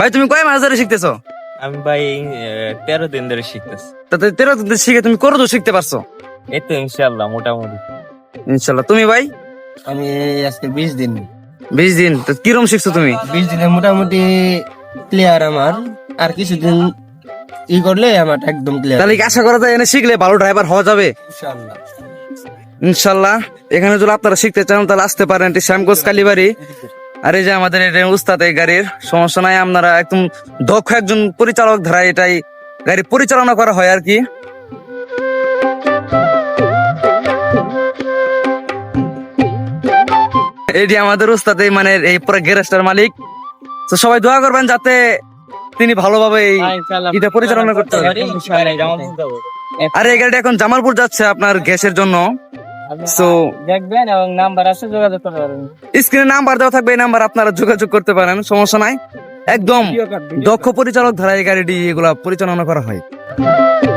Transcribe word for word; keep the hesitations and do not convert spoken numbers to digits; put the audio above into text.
ভাই তুমি কয় মাস ধরে শিখতেছো? আমি ভাই তেরো দিন ধরে শিখতেছি। তাতে তেরো দিন ধরে শিখে তুমি কত দূর শিখতে পারছো? এই তো ইনশাল্লাহ মোটামুটি। ইনশাল্লাহ। তুমি ভাই? আমি আজকে বিশ দিন বিশ দিন। তো কিরম শিখছো তুমি? বিশ দিনে মোটামুটি ক্লিয়ার আমার। আর কিছুদিন ই করলে আমার একদম ক্লিয়ার। তাহলে কি আশা করা যায় এনে শিখলে ভালো ড্রাইভার হওয়া যাবে? ইনশাআল্লাহ। ইনশাল্লাহ। এখানে যদি আপনারা শিখতে চান তাহলে আসতে পারেন, এটি শ্যামগঞ্জ কালীবাড়ি। আর এই যে আমাদের এটা উস্তাদ এই গাড়ির, সমস্যা নাই, আপনারা একদম দক্ষ একজন পরিচালক ধারা এটাই গাড়ি পরিচালনা করা হয় আর কি। এটি আমাদের উস্তাদ এই মানে এই পুরো গ্যারেজটার মালিক। তো সবাই দোয়া করবেন যাতে তিনি ভালোভাবে এই এটা পরিচালনা করতে পারেন। আর এই গাড়িটা এখন জামালপুর যাচ্ছে আপনার গ্যাসের জন্য। So, দেখবেন এবং নাম্বার আছে, যোগাযোগ করতে পারবেন। স্ক্রিনে নাম্বার দেওয়া থাকবে, এই নাম্বার আপনারা যোগাযোগ করতে পারেন, সমস্যা নাই। একদম দক্ষ পরিচালক ধারা এই গাড়িটি এগুলা পরিচালনা করা হয়।